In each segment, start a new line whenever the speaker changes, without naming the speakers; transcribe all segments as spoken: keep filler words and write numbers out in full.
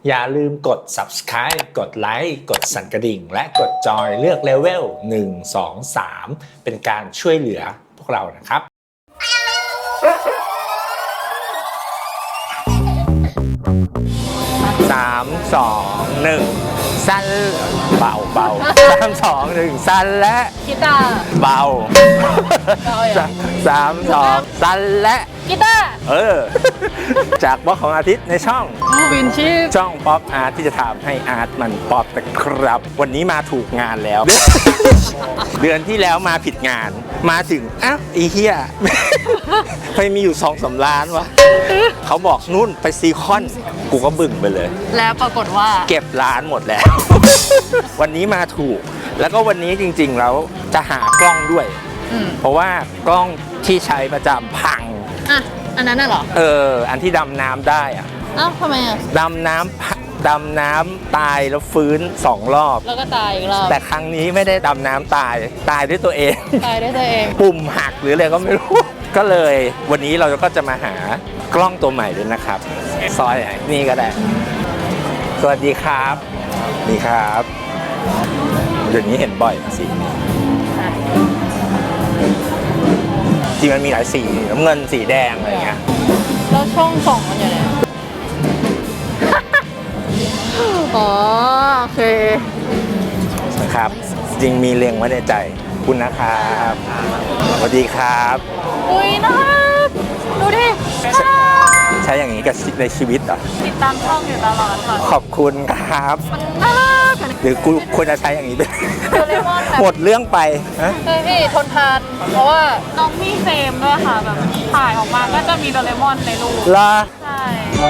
อย่าลืมกด ซับสไครบ์ กดไลค์กดสั่นกระดิ่งและกดจอยเลือกเลเวลหนึ่ง สอง สามเป็นการช่วยเหลือพวกเรานะครับสามสองหนึ่งสั้นเบาเบาสามสองหนึ่งสั้นและ
กีตาร์
เบาสามสองสั้นและ
กีตาร์
เออจากบล็อกของอาทิตย์ในช่อง
วินชีพ
ช่องป๊อปอาร์ตที่จะทำให้อาร์ตมันป๊อปนะครับวันนี้มาถูกงานแล้ว เดือนที่แล้วมาผิดงานมาถึงอ้าวไอ้เหี้ยไปมีอยู่สองสามล้านวะเขาบอกนู่นไปซีคอนกูก็บึ่งไปเลย
แล้วปรากฏว่า
เก็บร้านหมดแล้ว วันนี้มาถูกแล้วก็วันนี้จริงๆแล้วจะหากล้องด้วยเพราะว่ากล้องที่ใช้ประจำพัง
อ่ะอันนั้นน่ะเหรอ
เอออันที่ดำน้ำได้อ่ะ
อ้าวทำไมอ่ะ
ดำน้ำดำน้ำตายแล้วฟื้นสองรอบ
แล้วก็ตายอีกรอบ
แต่ครั้งนี้ไม่ได้ดำน้ำตายตายด้วยตัวเอง
ตายด้วยตัวเอง
ปุ่มหักหรืออะไรก็ไม่รู้ก็เลยวันนี้เราก็จะมาหากล้องตัวใหม่ด้วยนะครับซอยนี่ก็ได้สวัสดีครับนี่ครับเดี๋ยวนี้เห็นบ่อยสีนี้จริงมันมีหลายสีน้ำเงินสีแดงอะไรเงี้ย
แล้วช่องส่องมันอยู่ไหนอ๋อโอเค
นะครับจริงมีเล็งไว้ในใจคุณนะครับสวัสดีครับ
อุ้ยน่าดูดิ
ใช้อย่างนี้กับในชีวิตเหรอ
ติดตามช่องอยู่ตลอด
ขอบคุณครับ
น่ารัก
หรือกูควรจะใช้อย่างนี้ด้วยหมดเรื่องไป
เฮ้ยพี่ทนทานเพราะว่าน้องมีเฟรมด้วยค่ะแบบถ่ายออกมาก็จะมีโดเรมอนในรูป
ล่ะ
ใช่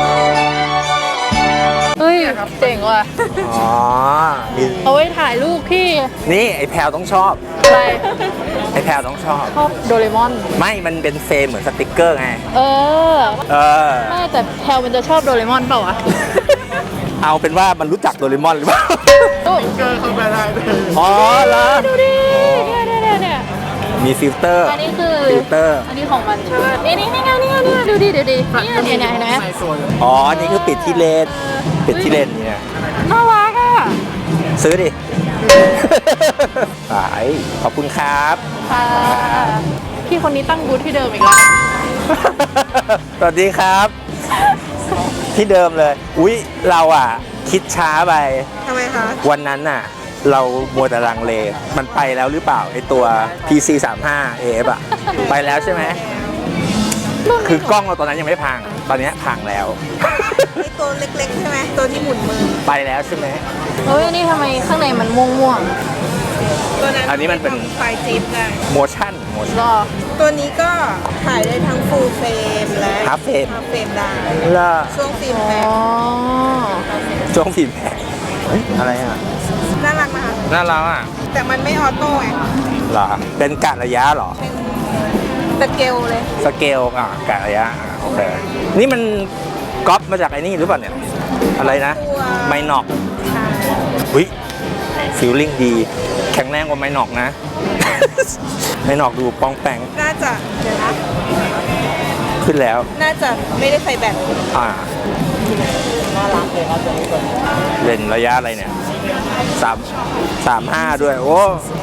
เฮ้ยเจ๋งว่ะ
อ๋อ
เอาไว้ถ่ายรูปพี่
นี่ไอ้แพลวต้องชอบ
อะไร
ไอ้แพลวต้องชอบ
ชอบโดเรมอน
ไม่มันเป็นเฟรมเหมือนสติ๊กเกอร์ไง
เออ
เออ
ไม่แต่แพลวมันจะชอบโดเรมอนเปล่าวะ
เอาเป็นว่ามันรู้จักโดเรมอนหรือเปล่า
สติ๊กเกอร์เข้าไปได้
อ๋อเหรอ
ดูดิเนี่ยเนี่ยเนี่ย
มีฟิลเตอร์
อันนี้คือ
ฟิลเตอร์
อันนี้ของมันใช่ไหมนี่นี่นี่ไงนี่ไงนี่ดูดิดูดินี่เนี่ยเนี่ยนะ
อ๋อนี่คือปิดที่เลนปิดที่เลนเนี่ย
น่ารักอ่ะ
ซื้อดิขายขอบคุณครับ
ค่ะพี่คนนี้ตั้งบูธที่เดิมอีกแล้ว
สวัสดีครับที่เดิมเลยอุ๊ยเราอ่ะคิดช้าไป
ทำไมคะ
วันนั้นน่ะเรามัวแต่ลังเลมันไปแล้วหรือเปล่าไอตัว พี ซี สามสิบห้า เอ เอฟ อ่ะไปแล้วใช่ไหมคือกล้องเราตอนนั้นยังไม่พังตอนนี้พังแล้ว
ไอตัวเล็กๆใช่ไหมตัวที่หมุนมือ
ไปแล้วใช่ไหม
เฮ้ยนี่ทำไมข้างในมันม่วง
ๆตัวนั้นอันนี้มันเป็น
ไฟจิ๊บไง
โมชั่นโมชั่น
ตัวนี้ก็ถ่ายได้ทั้งฟูลเฟรมและ
ฮาล์ฟเฟรม
ฮาล์ฟเฟรมได้ช่วงฟิล์มแพง
ช่วงฟิล์มแพงเฮ้ยอะไรอ่ะ
น่ารักนะคะ
น่ารักอ่ะ
แต่มันไม่ออโต้ไง
เหรอเป็นกะระยะเหรอ
สเกลเลย
สเกลอ่ะกะระยะโอเคนี่มันก๊อปมาจากไอ้นี่หรือเปล่าเนี่ยอะไรนะไมนอกอุ้ยฟิลลิ่งดีแข็งแรงกว่าไมนอกนะไมนอกดูปองแปง
น่าจะเดี๋ยวนะ
ขึ้นแล้ว
น่าจะไม่ได้ใส่แบต
อ่า
น่ารักเลยครับตัวนี้
เลนระยะอะไรเนี่ยสามสามห้าด้วยโอ้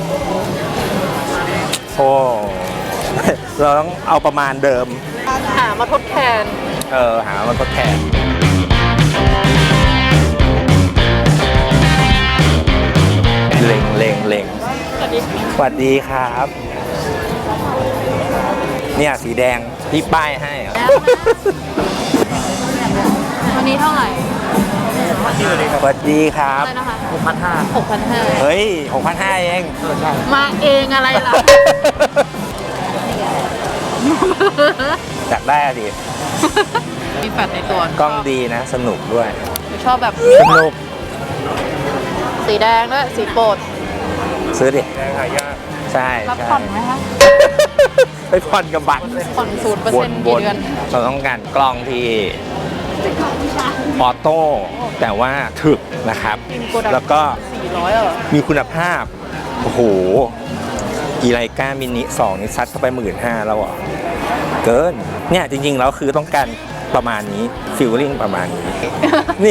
โอ้เราต้องเอาประมาณเดิม
หามาทดแทน
เออหามาทดแทนเล็งเล็งเล็งสวัสดีครับเนี่ยสีแดงที่ป้ายให้
วันนี้เท่าไหร่
สวัสดีครับ
หกพันห้าหกพันห้า
เฮ้ยหกพันห้าเอง
มาเองอะไรล่ะ
อยากได้อะดิ
มีแฟลชในตัว
กล้องดีนะสนุกด้วย
ชอบแบบ
สนุก
สีแดงด้วยสีโปรด
ซื้อดิใช่
รับผ่อนไหมคะ
ไปผ่อนกับบัตร
ผ่อนศูนย์เปอร์เซ็นต์กี่เดือน
เราต้องการกล้องที่ออโต้แต่ว่าถึกนะครับแล้วก็มีคุณภาพโอ้โหอีไลกามินิสองนี่ซัดเข้าไปหมื่นห้าแล้วอ่ะเกินเนี่ยจริงๆแล้วคือต้องการประมาณนี้ฟิลลิ่งประมาณนี้นี่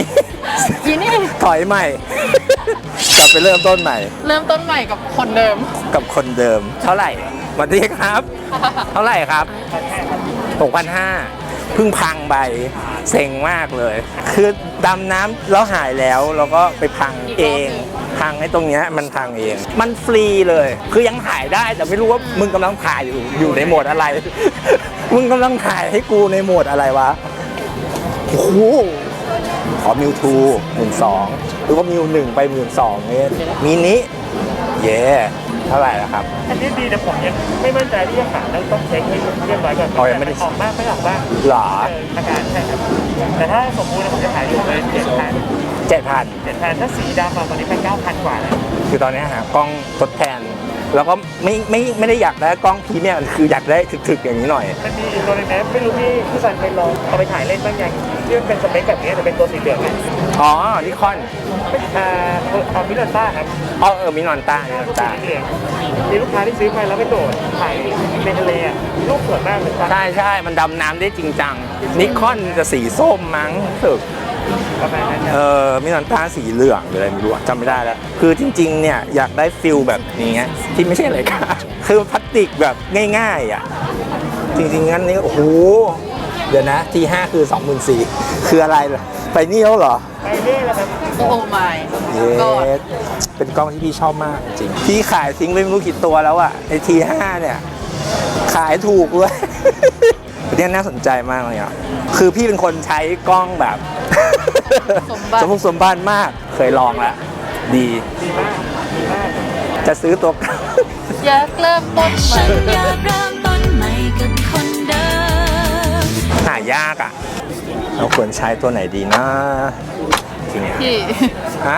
อีนี่
ถอยใหม่ กลับไปเริ่มต้นใหม่
เริ่มต้นใหม่กับคนเดิม
กับคนเดิม เท่าไหร่สวัสดีครับ เท่าไหร่ครับหกพันห้าเพิ่งพังไปเซ็งมากเลย คือดำน้ำแล้วหายแล้วเราก็ไปพังเอง พังไอ้ตรงเนี้ยมันพังเอง มันฟรีเลย คือยังถ่ายได้แต่ไม่รู้ว่ามึงกำลังถ่ายอยู่อยู่ในโหมดอะไร มึงกำลังถ่ายให้กูในโหมดอะไรวะ โอ้โหขอมิวทูหมื่นสองหรือว่ามิวหนึ่งไปหมื่นสองเนี่ยมินิเย่เท่าไหร่ละครับ
อันนี้ดีแต่ผมยังไม่มั่นใจที่จะขายแล้วต้องเช็คให้เรียบร้อยก่อน
อ๋อยังไม่ได้
ออกบ้างไม่ออกบ้าง
หรอ
เอออาการใช่ครับแต่ถ้าสมบูรณ์ผมจะขายอยู่ประมาณเจ็ดพัน
เจ็ดพัน
เจ็ดพันถ้าสีดำอะตอนนี้เป็นเก้าพันกว่าแล้ว
คือตอนนี้หากล้องทดแทน แล้วก็ไม่ไม่ไม่ได้อยากได้กล้องพรีเมียมคืออยากได้ถึกๆอย่างนี้หน่อย
มันมีอีกตัวหนึงนะไม่รู้พี่พี่สันเคยลองเอาไปถ่ายเล่นบ้างยังที่มันเป็นสเปคแบบนี้แต่เป็นตัวสีเหลืองนะ
อ๋อนิคอน
อ่าเอามิลต้าครับ
อ๋อเออมินอนต้ามินอน
ตัว
ต้า
สีเหลืองมีลูกค้าที่ซื้อไปแล้วไปโดดถ่ายในทะเลอ่ะรูปสวยมากเลยครับ
ใช่ใช่มันดำน้ำได้จริงจังนิคอนจะสีส้มมั้งรู้สึก
ประมาณนั้น
เออมินอนต้าสีเหลืองหรืออะไรไม่รู้อะจำไม่ได้แล้ว คือจริงๆเนี่ยอยากได้ฟิลแบบนี้ ที่ไม่ใช่อะไรค่ะ คือพลาสติกแบบง่ายๆอ่ะจริงๆงั้นนี่โอ้โหเดี๋ยวนะทีห้าคือสองหมื่นสี่คืออะไรล่ะไปนี่แล้วเหรอ
ไปเรื่อยแล้วครับ
โอ้ไม่
เยสเป็นกล้องที่พี่ชอบมากจริง พี่ขายทิ้งไปไม่รู้กี่ตัวแล้วอะไอทีห้าเนี่ย ขายถูกเลย เนี่ยน่าสนใจมากเลยอ่ะ คือพี่เป็นคนใช้กล้องแบบ
สมบัติ
สมบุกสมบันมาก เคยลองแล้ว ดี
ดีมากดีมาก
จะซื้อตัว
อยากเริ่มต้นใหม่
ฉันอยากเริ่มต้นใหม่กับคนเดิม
หายากอ่ะ เราควรใช้ตัวไหนดีนะจริงเนี่ย
พี่
ฮะ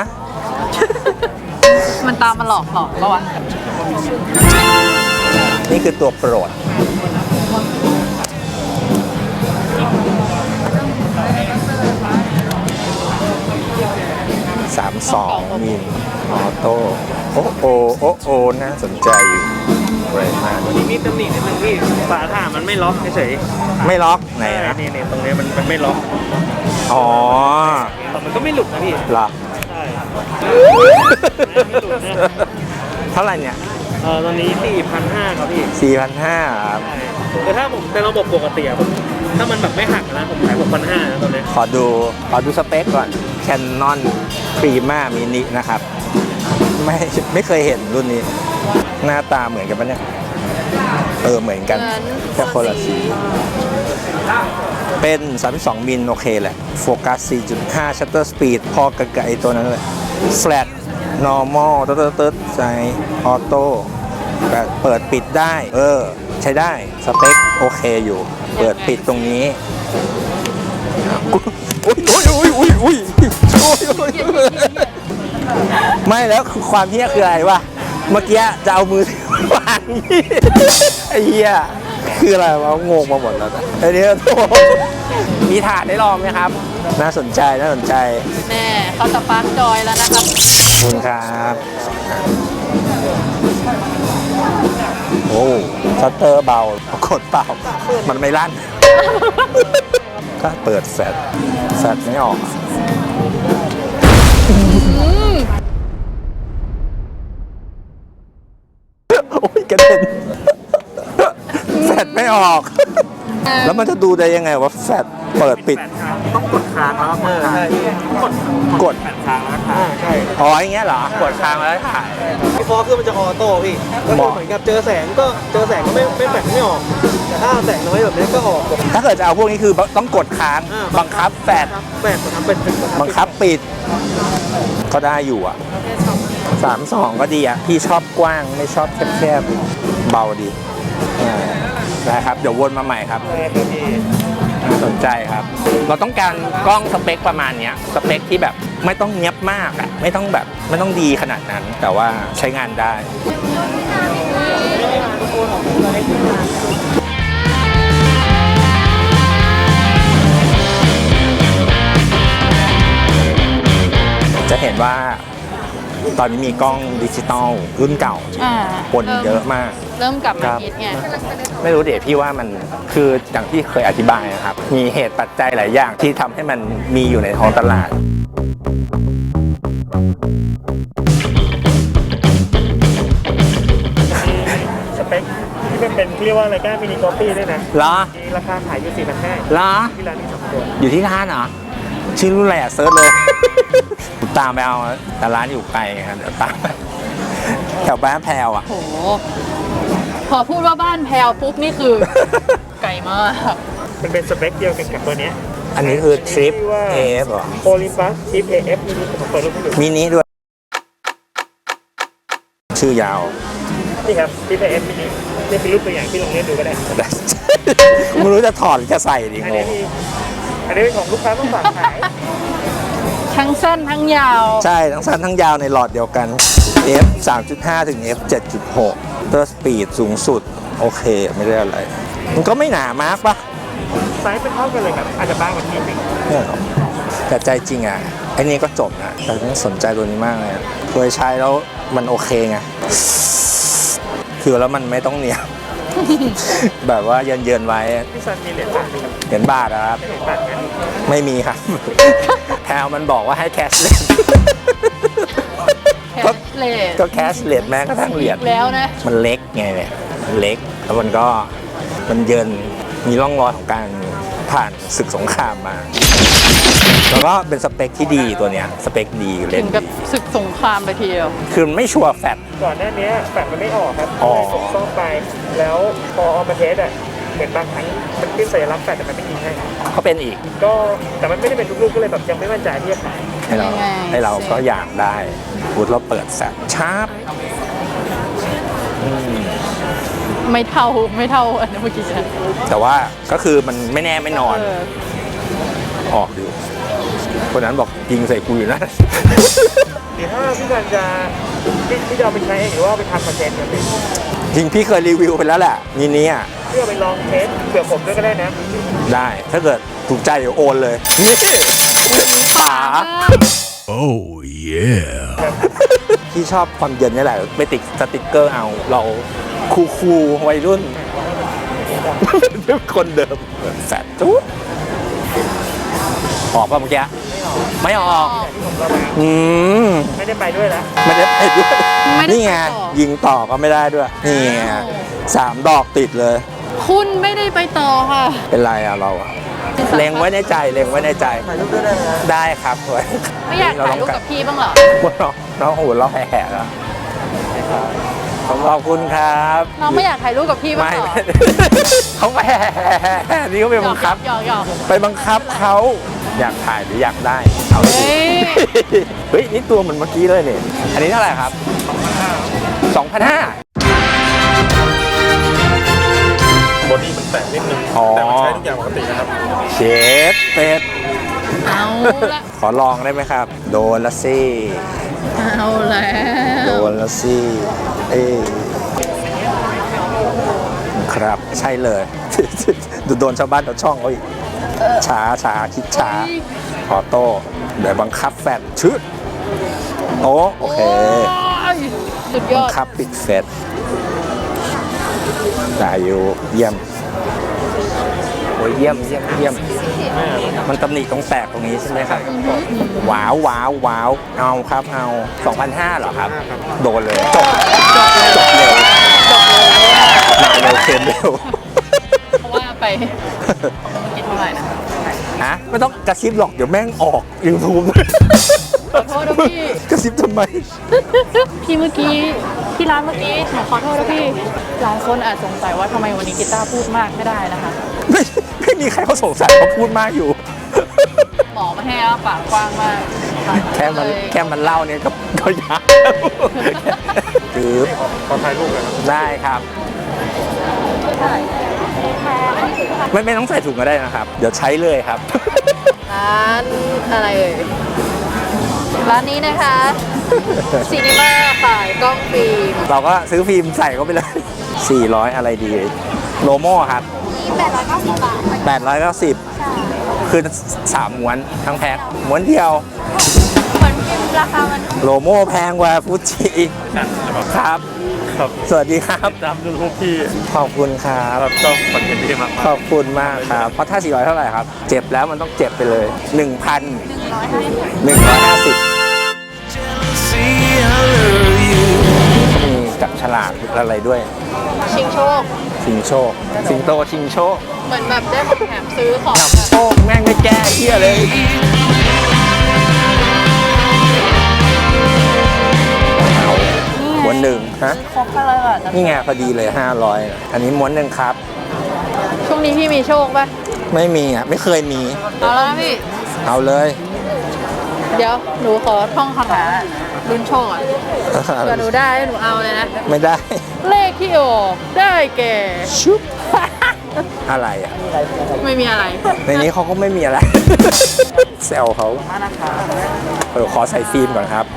มันตามมาหลอกหลอกแล้ววะ
นี่คือตัวโปรด สามสองมิลออโต้โอ้โอโอ้โอน่าสนใจอยู่อะไรมาก
วันนี้มีตำหนินิดนึงพี่ฝาถ่านมันไม่ล็อกเฉย
ไม่ล็อกไหน
ๆ
นะ
นี่นี่ตรงนี้มันมันไม่ล็อก
อ๋อ
แต่มันก็ไม่หลุดนะพี่
เหรอ
ใช่ไม่หลุดนะ
เท่าไหร่เนี่ย
เออตอนนี้ สี่พันห้าร้อย ครับพี่
สี่พันห้าครับ
ใช่แต่ถ้าผมในระบบปกติอะผมถ้ามันแบบไม่หักนะผมขาย หกพันห้าร้อย นะตอนนี้
ขอดูขอดูสเปคก่อน Canon Prima Mini นะครับ ไม่ไม่เคยเห็นรุ่นนี้ หน้าตาเหมือนกันปะเนี่ย เออ เหมือนกัน
เหมือน
แค่คนละสี เป็น สามสิบสอง มิลโอเคแหละ โฟกัส สี่จุดห้า Shutter Speed พอกับไอตัวนั้นเลย Flat Normal ตึ๊ดตึ๊ดตึ๊ดใส่ออโต้แบบเปิดปิดได้ เออ ใช้ได้ สเปคโอเคอยู่ เปิดปิดตรงนี้อุ้ยอุ้ยอุ้ยอุ้ยอุ้ยอุ้ยอุ้ยไม่แล้วคือความเที่ยคืออะไรวะ เมื่อกี้จะเอามือถือวางนี่ไอ้เหี้ยคืออะไรวะงงมาหมดแล้วนะไอ้เนี่ยโถ่มีถาดได้ลองไหมครับ น่าสนใจน่าสนใจ
แน่เขาสปาร์คจอยแล้วนะครับ
ขอบคุณครับ โอ้ชัตเตอร์เบากดเปล่า มันไม่ลั่น ก็เปิดแฟลชแฟลชไม่ออกอะโอ้ยกระเด็นแฟลชไม่ออก แล้วมันจะดูได้ยังไงว่าแฟลชเปิดปิด
ต้องกดค้างแล้วก็เปิดใช่กด
กด
แปดค้างแล้วถ่ายใช่
อ๋ออย่างเงี้ยเหรอ กดค้างแล้วถ่าย
พี่ฟอคือมันจะออโต้พี่ก็คือเหมือนกับเจอแสงก็เจอแสงก็ไม่ไม่แปดไม่ออกแต่ถ้าแสงน้อยแบบนี้ก็ออก
ถ้าเกิดจะเอาพวกนี้คือต้องกดค้าง
อ่า
บังคับแฟลช
แปดทำเป็น
บังคับปิด ก็ได้อยู่อ่ะสามสองก็ดีอ่ะ พี่ชอบกว้างไม่ชอบแคบๆ เบาดีอ่าได้ครับ เดี๋ยววนมาใหม่ครับ น่าสนใจครับ เราต้องการกล้องสเปคประมาณเนี้ยสเปคที่แบบไม่ต้องเนียบมากอ่ะ ไม่ต้องแบบไม่ต้องดีขนาดนั้น แต่ว่าใช้งานได้ จะเห็นว่าตอนนี้มีกล้องดิจิตอลรุ่นเก่า
อ่า
ปนเยอะมาก
เริ่มกลับ
ค
มา
รับ
ฮิตไง
ไม่รู้เดี๋ยวพี่ว่ามันคืออย่างที่เคยอธิบายนะครับ มีเหตุปัจจัยหลายอย่างที่ทำให้มันมีอยู่ในท้องตลาด
เรียกว่าอะไรก้านมินิคอฟฟี่ด้วยนะ
เหรอ
มีราคาขายอยู่สี่พันห้า
เหรอ
ที่ร้านมีสองตัว
อยู่ที่ร้านเหรอ ชื่อรุ่นอะไรอ่ะเซิร์ชเลย ผมตามไปเอาแต่ร้านอยู่ไกลไงครับเดี๋ยวตามไปแถวบ้านแพรวอ่ะ
โห พอพูดว่าบ้านแพลวปุ๊บนี่คือ ไกลมาก
มันเป็นสเปคเดียวกันกับตัวเนี้ย
อันนี้คือทริปเอฟเหรอ
โอลิมปัสทริปเอฟมินิผมเปิดรูปให้ดู
มินิด้วย ชื่อยาว
นี่ครับทริปเอฟมินินี่เป็นรูปตัวอย่างที่ลองเล่นดูก็ได้
ไม่รู้จะถอดหรือจะใส่ดี
อัน
ง
นี้
ง
มีอันนี้เป็นของลูกค้าต้องฝากขาย
ทั้งสั้นทั้งยาว
ใช่ ทั้งสั้นทั้งยาวในหลอดเดียวกัน F สามจุดห้า ถึง F เจ็ดจุดหก ตัวสปีดสูงสุด โอเค ไม่ได้อะไร มันก็ไม่หนามากปะ
ไซส์เป็นเท่ากันเลยครับอาจจะบางกว่านิดนึง
เนี่ยหรอแต่ใจจริงอ่ะไอ้นี่ก็จบนะแต่ฉันสนใจตัวนี้มากเลยอะเคยใช้แล้วมันโอเคไงคือแล้วมันไม่ต้องเหนียว แบบว่าเยินเยินๆไว้
พี่ซันมีเหรียญบาทไหมครับ
เหรียญบาทนะครับ
เหรียญบาทงั้น
ไม่มีครับ แพลมันบอกว่าให้แคชเลส
แคสเลส
ก็แคชเลสแม้กระทั่งเหรียญ
แล้วนะ
มันเล็กไงเนี่ยมันเล็กแล้วมันก็มันเยินมีร่องรอยของการผ่านศึกสงครามมา แล้วก็เป็นสเปคที่ดีตัวเนี้ยสเปคดีเล
ถึ
น
งกับศึกสงครามไปทีเดียว
คือมันไม่ชัวร์แฟต
ก่อนหน้านี้แฟดมันไม่ออกครับ
อ๋อ
ผมซ่อมไป แล้วพอเอามาเทสอ่ะเหมือนบางครั้งมันขึ้นสัญลักษณ์แฟดแต่มันไม่ยิงให้
เขาเป็นอีก
ก็แต่มันไม่ได้เป็นทุกลูกก็เลยแบบยังไม่มั่นใจที่จะขาย
ให้เรา
ยังไง
ให้เราก็อยากได้พูดเราเปิดแฟตชาร์ปอืม
ไม่เท่าไม่เท่าอันนี้เมื่อกี้ฉัน
แต่ว่าก็คือมันไม่แน่ไม่นอน
เออ
ออกดูคนนั้นบอกยิงใส่กูอยู่นะ
หรือถ้าพี่การจะที่ที่จะเอาไปใช้เองหรือว่าเอาไปทำคอนเทนต์กันเลย
จริงพี่เคยรีวิวไปแล้วแหละนี่นี้อ่ะ
เพื่อไปลองเทสเผื่อผมด้วยก็ได้นะ
ได้ถ้าเกิดถูกใจเดี๋ยวโอนเลย นี่ป๋า
Oh, yeah.
ที่ชอบความเย็นนี่แหละไปติดสติกเกอร์เอาเราคูคูลๆวัยรุ่น คนเดิมแฟดจุ๊ดออกป่ะเมื่อกี้ไม่ออกอืม
ไม่ได้ไปด้วยแล้ว
ไม่ได้ไปด้วย
ไม่ได้
นี่ไง
ไปต่อ
ยิงต่อก็ไม่ได้ด้วยนี่ไงสามดอกติดเลย
คุณไม่ได้ไปต่อค่ะ
เป็นไรอะเราอะเล็งไว้ในใจเล็งไว้ในใจ
ถ่ายรูปด้วยได้ไหม
ได้ครับเว้ย
ไม่อยากถ่ายรูปกับพี่บ้างเหรอ
น้องน้องโอ้โหเราแห่ๆแล้วขอบคุณครับ
น้องไม่อยากถ่ายรูปกับพี่บ้าง
ไม่
เหรอ
เขาแห่นี่เขาไปบังคับ
หยอกหยอก
ไปบังคับเขาอยากถ่ายหรืออยากได้เอาเลย
เฮ้ย
เฮ้ยนี่ตัวเหมือนเมื่อกี้เลยเนี่ยอันนี้เท่าไหร่ครับสองพันห้า
บอดี้มันแตกนิดนึง
อ๋อ
แต่มันใช้ทุกอย่างปกตินะครับ
เชฟเป็ด
เอาละ
ขอลองได้ไหมครับ โดนละสิ
เอาแล้ว
โดนละสิเอ้ยครับใช่เลย ดูโดนชาวบ้านชาวช่องเขาอีกช้าช้าคิดช้าขอโต้เดี๋ยวบังคับแฟนชึดโอ้โอเค
โอ้ยสุดย
บั
อง ด
คับปิดเฟสได้อยู่เยี่ยมโอ้ยเยี่ยมเยี่ยมเยี่ยมมันตำหนิตรงแตกตรงนี้ใช่ไหมครับว้าวว้าวว้าวเอาครับเอาสองพันห้าเหรอครับ โดนเลยจบจบเร็วมาเร็วเค็มเร็ว
เพราะว่าไปกินเท่าไหร่นะ
ฮะไม่ต้องกระซิบหรอกเดี๋ยวแม่งออกยูทูบ
ขอโทษนะพี่
กระซิบทำไม
พี่เมื่อกี้ที่ร้านเมื่อกี้หนูขอโทษนะพี่หลายคนอาจสงสัยว่าทำไมวันนี้กีตาร์พูดมากไม่ได้นะคะ
ไม่ไม่มีใครเขาสงสัยเขาพูดมากอยู่
หมอมาให้อ้าปากกว้างมาก
แค่มันแค่มันเล่าเนี่ยก็ก็ยากคือ
ขอถ่ายรูปเลยครับ
ได้ครับ ไม่ไม่ต้องใส่ถุงก็ได้นะครับ เดี๋ยวใช้เลยครับ
ร้านอะไรเอ่ยร้านนี้นะคะซีนีมาขายกล้องฟิล์ม
เราก็ซื้อฟิล์มใส่เข้าไปเลย สี่ร้อยอะไรดี โลโม่ครับ
แปดร้อยเก้าสิบบาท
แปดร้อยเก้าสิบคือสามม้วนทั้งแพ็คม้วนเดียว
เหมือนฟิล์มราคามัน
โลโม่แพงกว่าฟูจิครับ
ครับ
สวัสดีครับ
ตามดูรูปพี่
ขอบคุณครับ
ชอบคอนเทนต์พี่มาก
ขอบคุณมากครับ เพราะถ้า สี่ร้อย เท่าไหร่ครับ เจ็บแล้วมันต้องเจ็บไปเลย หนึ่งพัน หนึ่งร้อยห้าสิบ มีจับฉลากอะไรด้วย
ชิงโชค
ชิงโชค สิงโตชิงโชค
เหมือนแบบได้ของแถมซื้อของ
นำโชคแม่งไม่แก้เฮียเลยเอาม้วนหนึ่งฮะ
ครบไปเลยอ่ะ
นี่ไงพอดีเลยห้าร้อยอันนี้ม้วนหนึ่งครับ
ช่วงนี้พี่มีโชคป่ะ
ไม่มีอ่ะ ไม่เคยมี
เอาแล้วนะพี่
เอาเลย
เดี๋ยวหนูขอท่องคาถาลุ้นโชคอ่ะเผื่อหนูได้หนูเอาเลยนะ
ไม่ได้
เลขที่ออกได้แก่
ชุบ อะไรอ่ะ
ไม่มีอะไร
ในนี้เขาก็ไม่มีอะไร แซวเขาเออขอใส่ฟิล์มก่อนครับ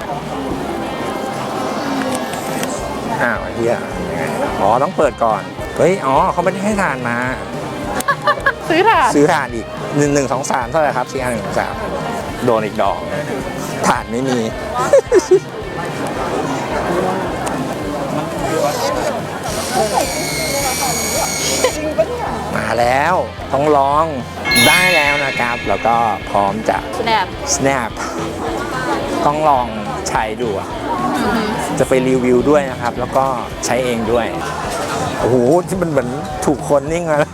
อ้าวเฮียยังไงอ๋อ ต้องเปิดก่อน เฮ้ย อ๋อ เขาไม่ได้ให้ทานมา
ซื้อถ่าน
ซื้อถ่านอีกหนึ่งหนึ่งสองสามเท่าไหร่ครับสี่ห้าหนึ่งสองสามโดนอีกดอกถ่านไม่มี มาแล้วต้องลองได้แล้วนะครับ แล้วก็พร้อมจะ
สแนป
snap ต้องลองใช้ดูอะจะไปรีวิวด้วยนะครับ แล้วก็ใช้เองด้วย โอ้โห ที่มันเหมือนถูกคนนิ่งมาแล้ว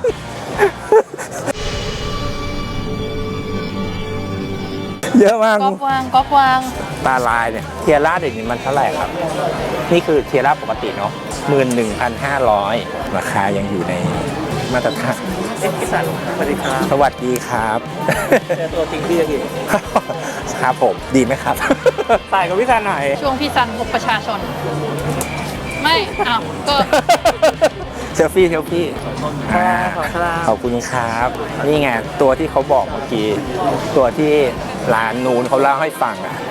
เยอะมาก
ก๊อปวางก๊อปวาง
ตาลายเนี่ยเทียร่าเด็กนี่มันเท่าไหร่ครับ นี่คือเทียร่าปกติเนาะหมื่นหนึ่งพันห้าร้อยราคายังอยู่ในมาตรฐาน
เอ็กซ์สันสวัสดีครับ
สวัสดีครับ
เจอตัวจริงพี่อีก
ครับผมดีไหมครับ
ถ่ายกับพี่ซันหน่อย
ช่วงพี่ซันพบประชาชน ไม่อ้าวก็
เซลฟี่เซลฟี่อ่าขอบคุณครับ นี่ไง ตัวที่เขาบอกเมื่อกี้ ตัวที่ร้านนูนเขาเล่าให้ฟังอะ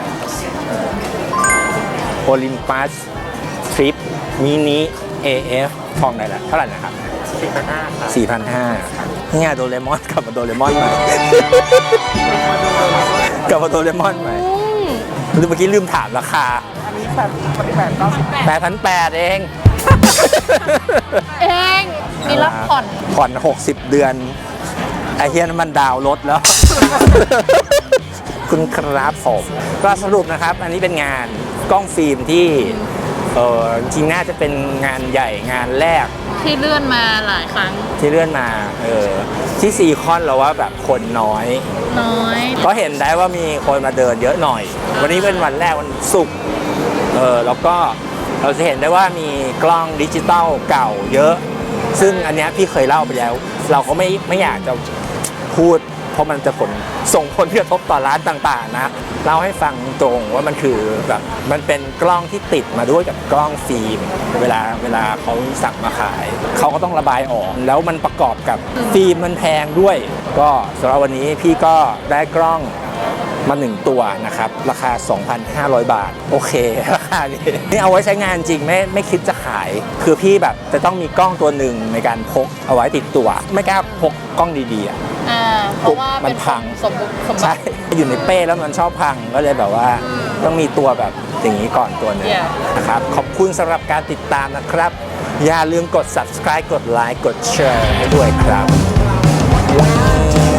โอลิมปัสทริปมินิ เอ เอฟ ทองไหนล่ะเท่าไหร่นะครับ
สี่พันห้าครับ
สี่พันห้าร้อยนี่ไงโดเรมอนกลับมาโดเรมอนใหม่ กลับมาโดเรมอนใหม่ลืมเมื่อกี้ลืมถามราคา
อันนี้แบบปฏิบัติเก้าสิบ
แปดพันแปดเอง
เอง มีรับผ่อน
ผ่อน หกสิบ เดือน ไอเฮียนนมันดาวน์รถแล้ว คุณครับผมก็สรุปนะครับ อันนี้เป็นงานกล้องฟิล์มที่เออจริงๆน่าจะเป็นงานใหญ่งานแรก
ที่เลื่อนมาหลายครั้ง
ที่เลื่อนมาเออที่ซีคอนเราว่าแบบคนน้อย
น้อย
ก็เห็นได้ว่ามีคนมาเดินเยอะหน่อย วันนี้เป็นวันแรกวันศุกร์เออแล้วก็เราจะเห็นได้ว่ามีกล้องดิจิตอลเก่าเยอะ ซึ่งอันเนี้ยพี่เคยเล่าไปแล้ว เราก็ไม่ไม่อยากจะพูด เพราะมันจะผลส่งผลกระทบต่อร้านต่างๆนะเล่าให้ฟังตรงว่ามันคือแบบมันเป็นกล้องที่ติดมาด้วยกับกล้องฟิล์มเวลาเวลาเขาสั่งมาขายเขาก็ต้องระบายออกแล้วมันประกอบกับฟิล์มมันแพงด้วย ก็สำหรับวันนี้พี่ก็ได้กล้องมาหนึ่งตัวนะครับราคา สองพันห้าร้อย บาทโอเคราคานี้นี่เอาไว้ใช้งานจริงไม่ไม่คิดจะขายคือพี่แบบจะต้องมีกล้องตัวหนึ่งในการพกเอาไว้ติดตัวไม่กล้าพกกล้องดีๆอ่ะ
อ่าเพราะว่า
มั
เป็น น
พัง
สมบุกสมบั
ใช่
ติ
อยู่ในเป้แล้วมันชอบพังก็เลยแบบว่าต้องมีตัวแบบอย่างนี้ก่อนตัวหนึง
Yeah
นะครับขอบคุณสำหรับการติดตามนะครับ อย่าลืมกด subscribe กดไลค์กดแชร์ให้ด้วยครับ